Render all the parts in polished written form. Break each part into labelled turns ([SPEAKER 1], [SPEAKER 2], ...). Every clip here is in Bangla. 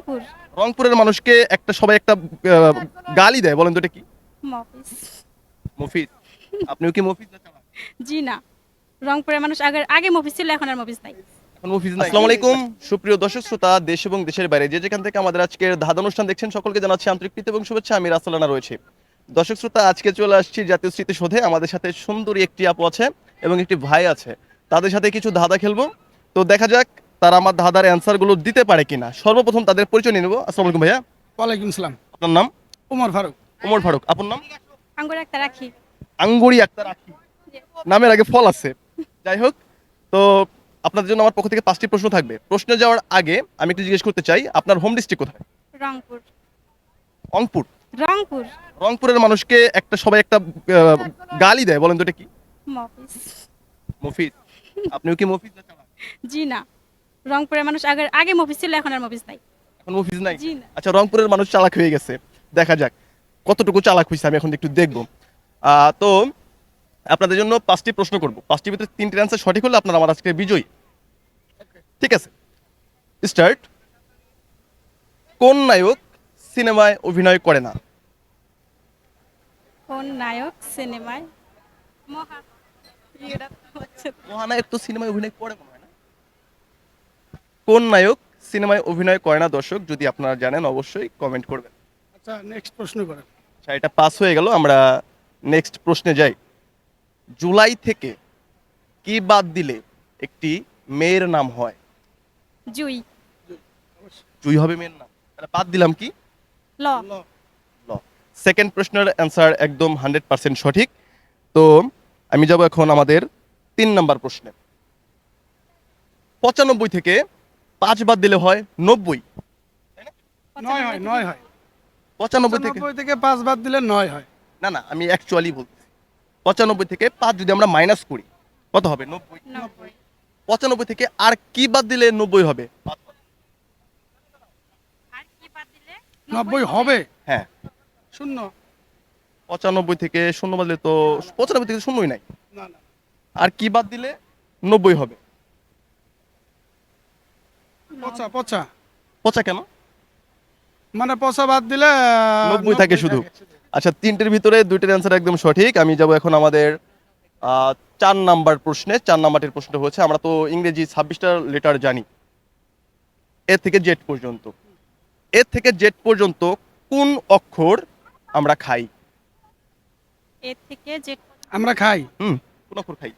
[SPEAKER 1] রংপুর।
[SPEAKER 2] রংপুরের মানুষকে সবাই একটা গালি দেয়, বলেন তো এটা কি?
[SPEAKER 1] মফিজ।
[SPEAKER 2] মফিজ। আপনিও কি মফিজ না চালাক?
[SPEAKER 1] জি না, রংপুরের মানুষ আগে আগে মফিজ ছিল, এখন আর মফিজ নাই।
[SPEAKER 2] এখন মফিজ নাই। আসসালামু আলাইকুম সুপ্রিয় দর্শক শ্রোতা, দেশ এবং দেশের বাইরে যে যেখান থেকে আমাদের আজকের ধাঁধা অনুষ্ঠান দেখছেন সকলকে জানাচ্ছি আন্তরিক প্রীতি এবং শুভেচ্ছা। আমি রাসেলানা রয়েছে। দর্শক শ্রোতা, আজকে চলে আসছি জাতীয় স্মৃতিসৌধে। আমাদের সাথে সুন্দরী একটি আপু আছে এবং একটি ভাই আছে। তাদের সাথে কিছু ধাঁধা খেলবো। তো দেখা যাক তারা আমার ধাঁধার অ্যান্সার গুলো দিতে পারে কিনা। সর্বপ্রথম তাদের পরিচয় নিয়ে নেবো। আসসালামু আলাইকুম ভাইয়া।
[SPEAKER 3] ওয়ালাইকুম সালাম।
[SPEAKER 2] আপনার নাম?
[SPEAKER 3] উমর ফারুক।
[SPEAKER 2] ওমর ফারুক। আপনার নাম?
[SPEAKER 1] আঙ্গুর একটা রাখি।
[SPEAKER 2] আঙ্গুরি আক্তার আখি। নামের আগে ফল আছে। যাই হোক, তো আপনাদের জন্য আমার পক্ষ থেকে 5টি প্রশ্ন থাকবে। প্রশ্নে যাওয়ার আগে আমি একটু জিজ্ঞেস করতে চাই, আপনার হোম ডিস্ট্রিক্ট কোথায়?
[SPEAKER 1] রংপুর।
[SPEAKER 2] রংপুর।
[SPEAKER 1] রংপুর।
[SPEAKER 2] রংপুরের মানুষকে সবাই একটা গালি দেয়, বলেন তো এটা কি?
[SPEAKER 1] মফিজ।
[SPEAKER 2] মফিজ। আপনিও কি মফিজ না চালাক?
[SPEAKER 1] জি না, রংপুরের মানুষ আগে আগে মফিজ ছিল, এখন আর মফিজ নাই।
[SPEAKER 2] এখন মফিজ নাই।
[SPEAKER 1] জি না।
[SPEAKER 2] আচ্ছা, রংপুরের মানুষ চালাক হয়ে গেছে। দেখা যাক কতটুকু চালাক হয়েছে, আমি এখন একটু দেখবো। তো আপনাদের জন্য 5টি প্রশ্ন করব। 5টির ভিতরে 3টির অ্যান্সার সঠিক হলে আপনারা আমার আজকে বিজয়ী। ঠিক আছে, স্টার্ট। কোন নায়ক সিনেমায় অভিনয় করে না?
[SPEAKER 1] কোন নায়ক সিনেমায় মহা ইয়েটা হচ্ছে
[SPEAKER 2] মহানায়ক তো সিনেমায় অভিনয় করে মনে হয় না। কোন নায়ক সিনেমায় অভিনয় করে না? দর্শক, যদি আপনারা জানেন অবশ্যই কমেন্ট করবেন।
[SPEAKER 3] আচ্ছা, নেক্সট প্রশ্ন করেন।
[SPEAKER 2] আচ্ছা, এটা পাস হয়ে গেল। আমরা নেক্সট প্রশ্নে যাই। জুলাই থেকে কি বাদ দিলে একটি মেয়ের নাম হয়?
[SPEAKER 1] জুই।
[SPEAKER 2] জুই হবে মেয়ের নাম, তাহলে বাদ দিলাম কি?
[SPEAKER 1] ল।
[SPEAKER 2] ল। সেকেন্ড প্রশ্নের অ্যান্সার একদম 100% সঠিক। তো আমি যাব এখন আমাদের 3 নাম্বার প্রশ্নে। 95 থেকে 5 বাদ দিলে হয় 90।
[SPEAKER 3] 9 হয়, 9 হয়।
[SPEAKER 2] 95 থেকে
[SPEAKER 3] 95 থেকে 5 বাদ দিলে 9 হয়।
[SPEAKER 2] না না, আমি অ্যাকচুয়ালি বলতেছি 95 থেকে 5 যদি আমরা মাইনাস করি কত হবে? 90।
[SPEAKER 1] 90।
[SPEAKER 2] 95 থেকে আর কি বাদ দিলে 90 হবে?
[SPEAKER 1] আর কি বাদ দিলে
[SPEAKER 3] 90 হবে।
[SPEAKER 2] হ্যাঁ,
[SPEAKER 3] শূন্য।
[SPEAKER 2] 95 থেকে শূন্য বাদ দিলে তো 95 থেকে শূন্যই নাই।
[SPEAKER 3] না না,
[SPEAKER 2] আর কি বাদ দিলে 90 হবে?
[SPEAKER 3] পচা পচা।
[SPEAKER 2] পচা কেন?
[SPEAKER 3] মানে পচা বাদ দিলে
[SPEAKER 2] 90 থাকে শুধু। আচ্ছা, 3টের ভিতরে 2টির অ্যান্সার একদম সঠিক। আমি যাব এখন আমাদের 4 নাম্বার প্রশ্নে। 4 নাম্বারের প্রশ্ন হচ্ছে, আমরা তো ইংরেজি 26টা লেটার জানি, এ থেকে জেড পর্যন্ত। এ থেকে জেড পর্যন্ত কোন অক্ষর আমরা খাই?
[SPEAKER 1] এ থেকে যে
[SPEAKER 3] আমরা খাই।
[SPEAKER 2] কোন অক্ষর খাই?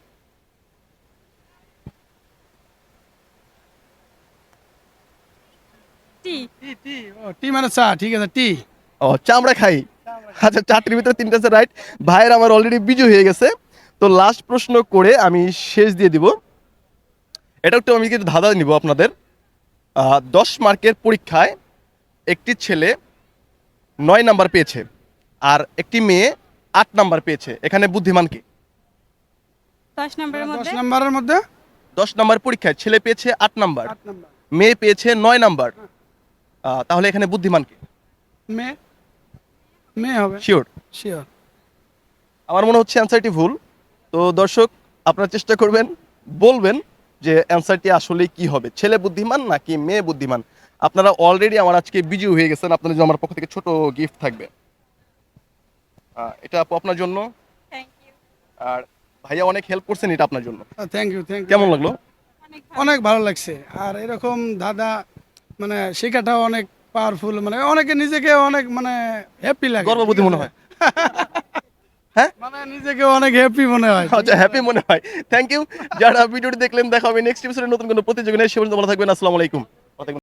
[SPEAKER 1] টি।
[SPEAKER 3] টি টি ও টি মানে চা, ঠিক আছে, টি।
[SPEAKER 2] ও, চা আমরা খাই। আচ্ছা, 4টির ভিতরে 3টা আছে রাইট। ভাইয়ের আমার অলরেডি বিজয় হয়ে গেছে। তো লাস্ট প্রশ্ন করে আমি শেষ দিয়ে দিব। এটা একটু আমি কিছু ধাঁধা নিব আপনাদের। 10 মার্কের পরীক্ষায় একটি ছেলে 9 নাম্বার পেয়েছে আর একটি মেয়ে 8 নাম্বার পেয়েছে। এখানে বুদ্ধিমান কে?
[SPEAKER 1] 10 নম্বরের
[SPEAKER 3] 10
[SPEAKER 1] মধ্যে
[SPEAKER 3] নাম্বারের মধ্যে
[SPEAKER 2] 10 নাম্বার পরীক্ষায় ছেলে পেয়েছে 8 নাম্বার,
[SPEAKER 3] 8 নাম্বার।
[SPEAKER 2] মেয়ে পেয়েছে 9 নাম্বার। তাহলে এখানে বুদ্ধিমান কে?
[SPEAKER 3] মে মে হবে।
[SPEAKER 2] শিওর?
[SPEAKER 3] শিওর।
[SPEAKER 2] আমার মনে হচ্ছে অ্যান্সারটি ভুল। তো দর্শক, আপনারা চেষ্টা করবেন, বলবেন যে অ্যান্সারটি আসলে কি হবে, ছেলে বুদ্ধিমান নাকি মেয়ে বুদ্ধিমান। আপনারা অলরেডি আমার আজকে বিজয়ী হয়ে গেছেন। আপনাদের জন্য আমার পক্ষ থেকে ছোট গিফট থাকবে। এটা আপু আপনার জন্য।
[SPEAKER 1] Thank you.
[SPEAKER 2] আর ভাইয়া অনেক হেল্প করছেন, এটা আপনার জন্য।
[SPEAKER 3] Thank you, thank you.
[SPEAKER 2] কেমন লাগলো?
[SPEAKER 1] অনেক ভালো।
[SPEAKER 3] অনেক ভালো লাগছে। আর এরকম দাদা মানে শেখাটাও অনেক পাওয়ারফুল, মানে অনেকে নিজেকে অনেক মানে হ্যাপি লাগে।
[SPEAKER 2] গর্ববোধী মনে হয়। হ্যাঁ,
[SPEAKER 3] মানে নিজেকে অনেক হ্যাপি মনে হয়।
[SPEAKER 2] আচ্ছা, হ্যাপি মনে হয়। Thank you. যারা ভিডিওটি দেখলেন, দেখা হবে নেক্সট এপিসোডে নতুন কোনো প্রতিযোগিতায়। সে পর্যন্ত ভালো থাকবেন। আসসালামু আলাইকুম।